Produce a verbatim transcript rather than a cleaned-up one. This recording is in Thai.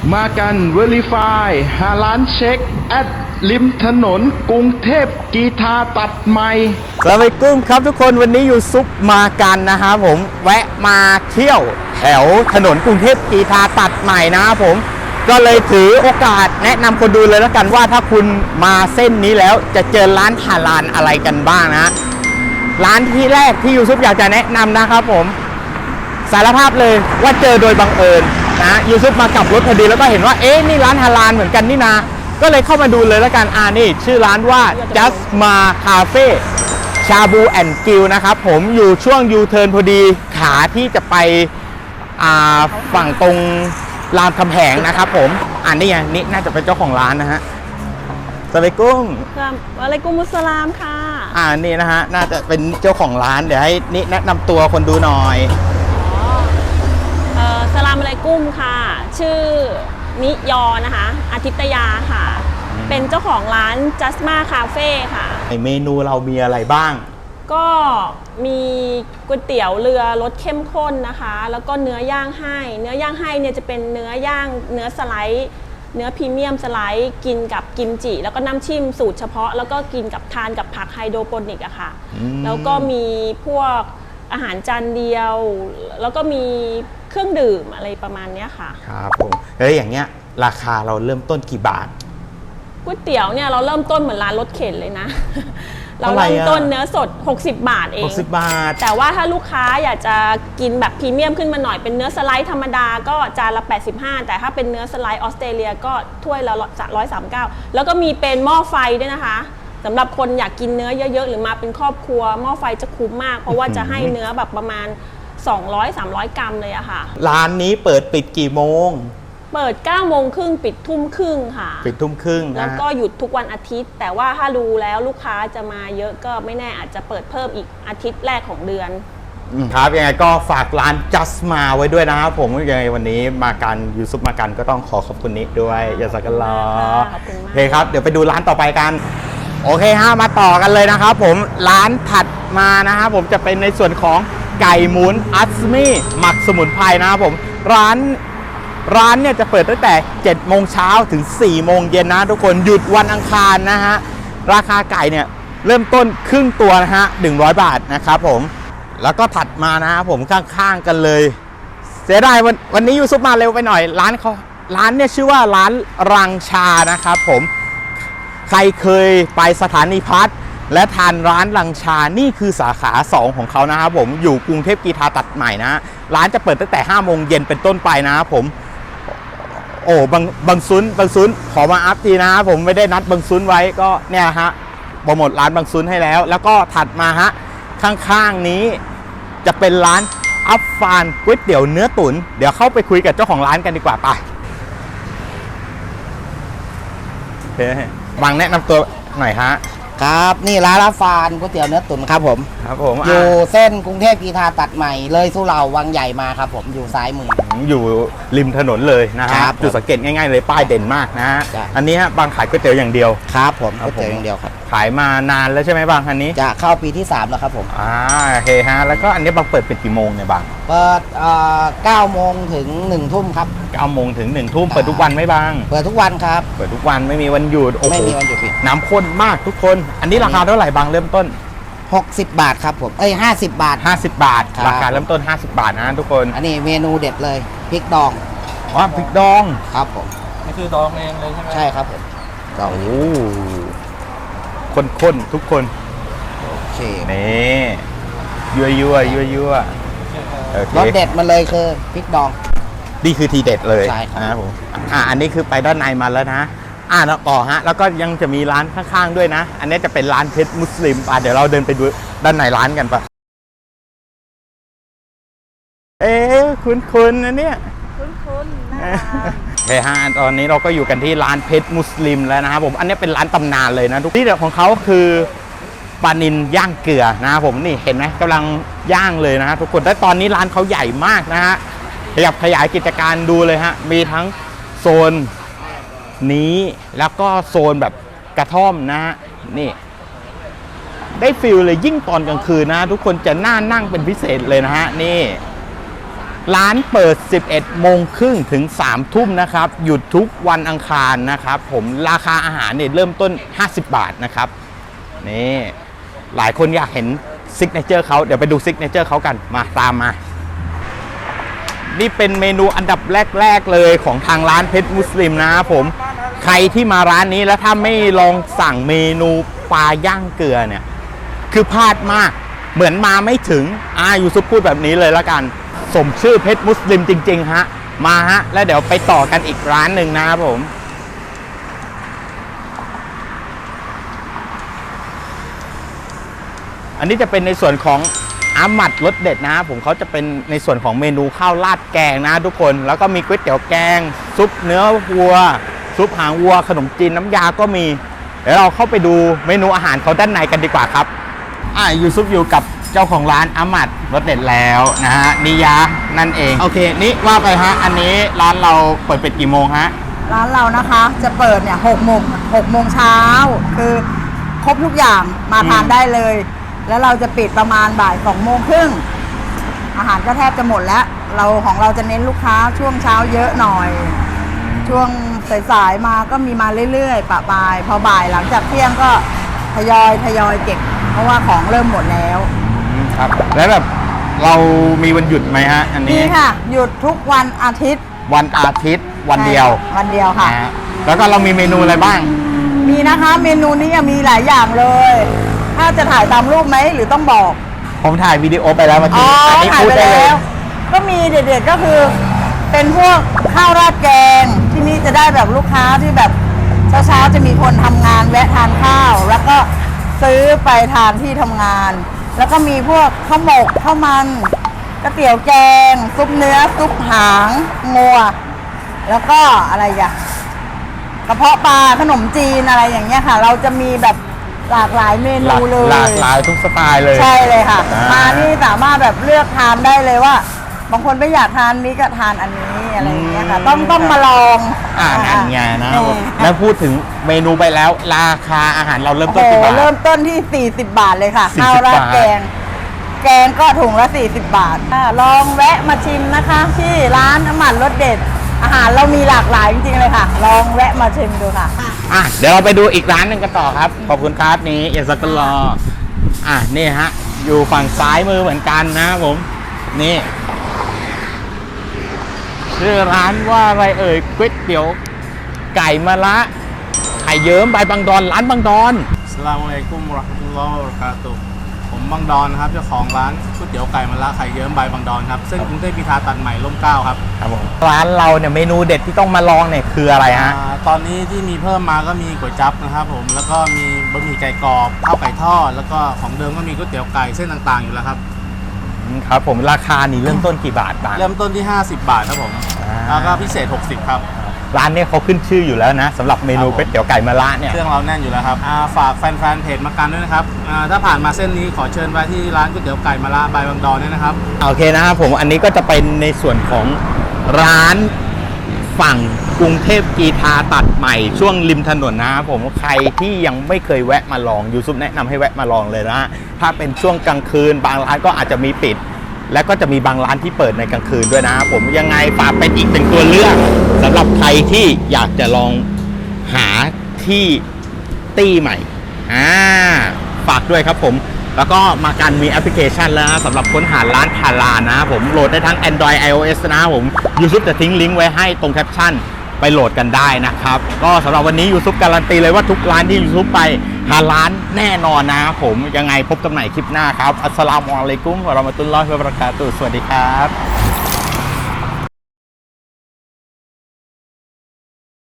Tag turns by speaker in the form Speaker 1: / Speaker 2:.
Speaker 1: มากัน Verify หาร้านเช็คแอดริมถนนกรุงเทพกีทาตัดใหม่
Speaker 2: สวัสดีครับทุกคนวันนี้อยู่ซุปมากันนะครับผมแวะมาเที่ยวแถวถนนกรุงเทพกีทาตัดใหม่นะครับผมก็เลยถือโอกาสแนะนำคนดูเลยแล้วกันว่าถ้าคุณมาเส้นนี้แล้วจะเจอร้านฮาลาลอะไรกันบ้างนะร้านที่แรกที่ยูซุปอยากจะแนะนำนะครับผมสารภาพเลยว่าเจอโดยบังเอิญนะยูซุปมากับรถพอดีแล้วก็เห็นว่าเอ๊ะนี่ร้านฮาลาลเหมือนกันนี่นาก็เลยเข้ามาดูเลยแล้วกันอ่านี่ชื่อร้านว่า Just Ma Cafe ชาบูแอนด์กิลนะครับผมอยู่ช่วงยูเทิร์นพอดีขาที่จะไปฝั่งตรงรามคำแหงนะครับผมอ่านนี่ไงนี่น่าจะเป็นเจ้าของร้านนะฮะสวัสดีกุ้ง
Speaker 3: วะลัยกุมุสสลามค่ะ
Speaker 2: อ่านี่นะฮะน่าจะเป็นเจ้าของร้านเดี๋ยวให้นี่แนะนำตัวคนดูหน่อย
Speaker 3: อ๋อเอ่อสลามอะลัยกุมค่ะชื่อนิยอนะคะอาทิตยาค่ะเป็นเจ้าของร้าน Just Ma Cafe ค่ะ
Speaker 2: เมนูเรามีอะไรบ้าง
Speaker 3: ก็มีก๋วยเตี๋ยวเรือรสเข้มข้นนะคะแล้วก็เนื้อย่างให้เนื้อย่างให้เนี่ยจะเป็นเนื้อย่างเนื้อสไลด์เนื้อพรีเมียมสไลด์กินกับกิมจิแล้วก็น้ำจิ้มสูตรเฉพาะแล้วก็กินกับทานกับผักไฮโดรโปนิกอะค่ะแล้วก็มีพวกอาหารจานเดียวแล้วก็มีเครื่องดื่มอะไรประมาณนี้ค่ะ
Speaker 2: ครับผมเฮ้ยอย่างเงี้ยราคาเราเริ่มต้นกี่บาท
Speaker 3: ก๋วยเตี๋ยวเนี่ยเราเริ่มต้นเหมือนร้านรถเข็นเลยนะเราเริ่มต้นเนื้อสดหกสิบบาทเอง
Speaker 2: หกสิบบาท
Speaker 3: แต่ว่าถ้าลูกค้าอยากจะกินแบบพรีเมียมขึ้นมาหน่อยเป็นเนื้อสไลด์ธรรมดาก็จานละแปดสิบห้าแต่ถ้าเป็นเนื้อสไลด์ออสเตรเลียก็ถ้วยละหนึ่งร้อยสามสิบเก้าแล้วก็มีเป็นหม้อไฟด้วยนะคะสำหรับคนอยากกินเนื้อเยอะๆหรือมาเป็นครอบครัวหม้อไฟจะคุ้มมากเพราะว่าจะให้เนื้อแบบประมาณสองร้อย สามร้อยกรัมเลยอะค่ะ
Speaker 2: ร้านนี้เปิดปิดกี่โมง
Speaker 3: เปิดเก้าโมงครึ่งปิดทุ่มครึ่งค่ะ
Speaker 2: ปิดทุ่มครึ่ง
Speaker 3: แล้วก็หยุดทุกวันอาทิตย์แต่ว่าถ้าดูแล้วลูกค้าจะมาเยอะก็ไม่แน่อาจจะเปิดเพิ่มอีกอาทิตย์แรกของเดือน
Speaker 2: ครับยังไงก็ฝากร้าน Just Ma ไว้ด้วยนะครับผมยังไงวันนี้มากันยูซุปมากันก็ต้องขอขอบคุณนิด้วยยาสักกันรอ
Speaker 3: ขอบคุณมาก
Speaker 2: โอเคครับเดี๋ยวไปดูร้านต่อไปกันโอเคฮะมาต่อกันเลยนะครับผมร้านถัดมานะครับผมจะเป็นในส่วนของไก่หมุนอัสมี่หมักสมุนไพรนะครับผมร้านร้านเนี่ยจะเปิดตั้งแต่เจ็ดโมงเช้าถึงสี่โมงเย็นนะทุกคนหยุดวันอังคารนะฮะราคาไก่เนี่ยเริ่มต้นครึ่งตัวนะฮะหนึ่งร้อยบาทนะครับผมแล้วก็ถัดมานะครับผมข้างๆกันเลยเสียดายวันวันนี้ยูซุปมาเร็วไปหน่อยร้านเขาร้านเนี่ยชื่อว่าร้านรังชานะครับผมใครเคยไปสถานีพัฒน์และทานร้านรังชานี่คือสาขาสองของเขานะครับผมอยู่กรุงเทพกีทาตัดใหม่นะร้านจะเปิดตั้งแต่ห้าโมงเย็นเป็นต้นไปนะครับผมโอ้บางบางซุนบางซุนขอมาอัพทีนะผมไม่ได้นัดบางซุนไว้ก็เนี่ยฮะโปรโมทร้านบางซุนให้แล้วแล้วก็ถัดมาฮะข้างๆนี้จะเป็นร้านอัฟฟานก๋วยเตี๋ยวเนื้อตุ๋นเดี๋ยวเข้าไปคุยกับเจ้าของร้านกันดีกว่าไปเฮ้ยบางแนะนำตัวหน่อยฮะ
Speaker 4: ครับนี่ร้านอัฟฟานก๋วยเตี๋ยวเนื้อตุ๋นครับผม
Speaker 2: ครับผม
Speaker 4: อยู่เส้นกรุงเทพกีทาตัดใหม่เลยสุเหร่าวังใหญ่มาครับผมอยู่ซ้ายมือ
Speaker 2: อยู่ริมถนนเลยนะครับจุดสังเกตง่ายๆเลยป้ายเด่นมากนะฮะอันนี้ฮะบางขายก๋วยเตี๋ยวอย่างเดียว
Speaker 4: ครับผมก๋วยเตี๋ยวอย่างเดียวครับ
Speaker 2: ขายมานานแล้วใช่ไหมบางอันนี้
Speaker 4: จะเข้าปีที่สามแล้วครับผม
Speaker 2: อ่าโอเคฮะแล้วก็อันนี้บางเปิดเป็นกี่โมงเนี่ยบาง
Speaker 4: เปิดเก้าโมงถึงหนึ่งทุ่มครับ
Speaker 2: เก้าโมงถึงหนึ่งทุ่มเปิดทุกวันไหมบาง
Speaker 4: เปิดทุกวันครับ
Speaker 2: เปิดทุกวันไม่มีวันหยุด
Speaker 4: ไม่มีวันหยุด
Speaker 2: น้ำข้นมากทุกคนอันนี้ราคาเท่าไหร่บางเริ่มต้น
Speaker 4: หกสิบบาทครับผมเอ้ยห้าสิบบาท
Speaker 2: ห้าสิบบาทราคาเริ่มต้นห้าสิบบาทนะทุกคน
Speaker 4: อันนี้เมนูเด็ดเลยพริกดอง
Speaker 2: อ๋อพริกดอง
Speaker 4: ครับผม
Speaker 3: นี่คือดองเองเลยใช่ไหม
Speaker 4: ใช่ครับผม
Speaker 2: โอ้ข้นๆทุกคน
Speaker 4: โอเค
Speaker 2: นี่ยั่วยั่วยั่วยั่ว
Speaker 4: รสเด็ดมาเลยคือพริกดอง
Speaker 2: นี่คือทีเด็ดเลย
Speaker 4: ใช่ครับ
Speaker 2: นะผมอ่าอันนี้คือไปด้านในมาแล้วนะอ่าแล้วต่อฮะแล้วก็ยังจะมีร้านข้างๆด้วยนะอันนี้จะเป็นร้านเพชรมุสลิมอ่ะเดี๋ยวเราเดินไปดูด้านในร้านกันปะเอ๊ะคุ้นๆนะเนี่ย
Speaker 3: คุ้นๆนะ
Speaker 2: เฮ้ยฮะตอนนี้เราก็อยู่กันที่ร้านเพชรมุสลิมแล้วนะครับผมอันนี้เป็นร้านตำนานเลยนะทุกที่เด็ดของเขาคือปลานิลย่างเกลือนะครับผมนี่เห็นไหมกำลังย่างเลยนะทุกคนแต่ตอนนี้ร้านเขาใหญ่มากนะฮะขยับขยายกิจการดูเลยฮะมีทั้งโซนนี้แล้วก็โซนแบบกระท่อมนะฮะนี่ได้ฟิลเลยยิ่งตอนกลางคืนนะทุกคนจะน่านั่งเป็นพิเศษเลยนะฮะนี่ร้านเปิด สิบเอ็ดโมงครึ่งถึง สามทุ่มนะครับ หยุดทุกวันอังคารนะครับผมราคาอาหารเนี่ยเริ่มต้น ห้าสิบบาทนะครับนี่หลายคนอยากเห็นซิกเนเจอร์เขาเดี๋ยวไปดูซิกเนเจอร์เขากันมาตามมา นี่เป็นเมนูอันดับแรกๆเลยของทางร้านเพชรมุสลิมนะครับผมใครที่มาร้านนี้แล้วถ้าไม่ลองสั่งเมนูปลาย่างเกลือเนี่ยคือพลาดมากเหมือนมาไม่ถึงอายูซุปพูดแบบนี้เลยละกันสมชื่อเพชรมุสลิมจริงๆฮะมาฮะแล้วเดี๋ยวไปต่อกันอีกร้านหนึ่งนะครับผมอันนี้จะเป็นในส่วนของอามัดรสเด็ดนะผมเขาจะเป็นในส่วนของเมนูข้าวราดแกงนะทุกคนแล้วก็มีก๋วยเตี๋ยวแกงซุปเนื้อวัวซุปหางวัวขนมจีนน้ำยาก็มีเดี๋ยวเราเข้าไปดูเมนูอาหารเขาด้านในกันดีกว่าครับอ่ายูซุปอยู่กับเจ้าของร้านอามัดรสเด็ดแล้วนะฮะนิยะนั่นเองโอเคนี่ว่าไปฮะอันนี้ร้านเราเปิดปิดกี่โมงฮะ
Speaker 5: ร้านเรานะคะจะเปิดเนี่ยหกโมงหกโมงเช้าคือครบทุกอย่างมาทานได้เลย แล้วเราจะปิดประมาณบ่ายสองโมงครึ่งอาหารก็แทบจะหมดแล้วเราของเราจะเน้นลูกค้าช่วงเช้าเยอะหน่อย ช่วงสายๆมาก็มีมาเรื่อยๆปะปายพอบ่ายหลังจากเที่ยงก็ทยอยทยอยเก็บเพราะว่าของเริ่มหมดแล้ว
Speaker 2: ครับแล้วแบบเรามีวันหยุดไหมฮะอัน
Speaker 5: นี่
Speaker 2: นี้
Speaker 5: ค่ะ หยุดทุกวันอาทิตย์
Speaker 2: วันอาทิตย์วันเดียว
Speaker 5: ใช่วันเดียวค่ะ
Speaker 2: นะฮะแล้วก็เรามีเมนูอะไรบ้าง
Speaker 5: มีนะคะเมนูนี้มีหลายอย่างเลย ถ้าจะถ่ายตามรูปไหมหรือต้องบอก
Speaker 2: ผมถ่ายวิดีโอไปแล้วเมื่อ
Speaker 5: อ๋
Speaker 2: กี้
Speaker 5: อ
Speaker 2: อันนี้
Speaker 5: ถ่าย
Speaker 2: พูด
Speaker 5: ไป
Speaker 2: ได้เลย
Speaker 5: แล้ว ก็มีเด็ดๆก็คือ เป็นพวกข้าวราดแกง ที่นี่จะได้แบบลูกค้าที่แบบเช้าๆจะมีคนทำงานแวะทานข้าว แล้วก็ซื้อไปทานที่ทำงาน แล้วก็มีพวกข้าวหมกข้าวมันก๋วยเตี๋ยวแกง ซุปเนื้อซุปหางงัว แล้วก็อะไรอย่างกระเพาะปลาขนมจีนอะไรอย่างเงี้ยค่ะ เราจะมีแบบหลากหลายเม
Speaker 2: หลา
Speaker 5: นู
Speaker 2: ก
Speaker 5: เลย
Speaker 2: หลากหลายทุกสไตล์เลย
Speaker 5: ใช่เลยค่ะ
Speaker 2: อ่าม
Speaker 5: มานี่สามารถแบบเลือกทานได้เลยว่า บางคนไม่อยากทานนี้ก็ทานอันนี้อะไรอย่างเงี้ยค่ะ ต้องต้องมาลอง
Speaker 2: อ่านั่นไงนะ
Speaker 5: เออ
Speaker 2: แล้วพูดถึงเมนูไปแล้ว ราคาอาหารเราเริ่ม
Speaker 5: โอ้
Speaker 2: ต้น
Speaker 5: โห
Speaker 2: กี่บาท
Speaker 5: เริ่มต้นที่ สี่สิบบาทเลยค่ะ
Speaker 2: สี่
Speaker 5: ข้า
Speaker 2: สิ
Speaker 5: ว
Speaker 2: บ
Speaker 5: ราด
Speaker 2: บาท
Speaker 5: แกง แกงก็ถุงละสี่สิบบาทอ่าลองแวะมาชิมนะคะ ที่ร้านน้ำมันรสเด็ด อาหารเรามีหลากหลายจริงๆเลยค่ะ ลองแวะมาชิมดูค่ะ
Speaker 2: อ่ะเดี๋ยวเราไปดูอีกร้านหนึ่งกันต่อครับ ขอบคุณครับนี่เอซักกลออ่ะนี่ฮะ อยู่ฝั่งซ้ายมือเหมือนกันนะครับผม นี่ชื่อร้านว่าอะไรเอ่ยก๋วยเตี๋ยวไก่มะระไข่เยิ้มใบบางดอนร้านบางดอน
Speaker 6: อัสสลามุอะลัยกุมวะเราะห์มะตุลลอฮ์วะบะเราะกาตุฮ์ผมบางดอนนะครับเจ้าของร้านก๋วยเตี๋ยวไก่มะระไข่เยิ้มบายบางดอนครับเส้นกรุงเทพพิธาตัดใหม่ร่มเกล้าครับ
Speaker 2: ครับผมร้านเราเนี่ยเมนูเด็ดที่ต้องมาลองเนี่ยคืออะไรฮะ
Speaker 6: อ่าตอนนี้ที่มีเพิ่มมาก็มีก๋วยจั๊บนะครับผมแล้วก็มีบะหมี่ไก่กรอบข้าวไก่ทอดแล้วก็ของเดิมก็มีก๋วยเตี๋ยวไก่เส้นต่างๆอยู่แล้วครับ
Speaker 2: ครับผมราคานี่เริ่มต้นกี่บาทบาท
Speaker 6: เริ่มต้นที่ ห้าสิบบาทครับผม
Speaker 2: อ่า
Speaker 6: แล้วก็พิเศษหกสิบครับ
Speaker 2: ร้านเนี่ยเขาขึ้นชื่ออยู่แล้วนะสำหรับเมนูก๋วยเตี๋ยวไก่มะระเนี่ย
Speaker 6: เครื่องเราแน่นอยู่แล้วครับอ่าฝากแฟนๆเพจมากันด้วยนะครับอ่าถ้าผ่านมาเส้นนี้ขอเชิญไปที่ร้านก๋วยเตี๋ยวไก่มะระบายบางดอนด้วยนะครับ
Speaker 2: โอเคนะครับผมอันนี้ก็จะเป็นในส่วนของร้านฝั่งกรุงเทพกีทาตัดใหม่ช่วงริมถนนนะครับผมใครที่ยังไม่เคยแวะมาลองยูซุปแนะนำให้แวะมาลองเลยนะถ้าเป็นช่วงกลางคืนบางร้านก็อาจจะมีปิด และก็จะมีบางร้านที่เปิดในกลางคืนด้วยนะครับผมยังไงฝากเป็นอีกเป็นตัวเลือกสำหรับใครที่อยากจะลองหาที่ตี้ใหม่อ่าฝากด้วยครับผมแล้วก็มากันมีแอปพลิเคชันแล้วนะสำหรับค้นหาร้านฮาลาลนะครับผมโหลดได้ทั้ง Android iOS นะครับผมยูซุปจะทิ้งลิงก์ไว้ให้ตรงแคปชั่นไปโหลดกันได้นะครับก็สำหรับวันนี้ยูซุปการันตีเลยว่าทุกร้านที่ยูซุปไปฮาลาลแน่นอนนะครับผมยังไงพบกันใหม่คลิปหน้าครับอัสสลามุอะลัยกุมวะเราะมะตุลลอฮิวะบะเราะกาตุฮ์สวัสดีครับ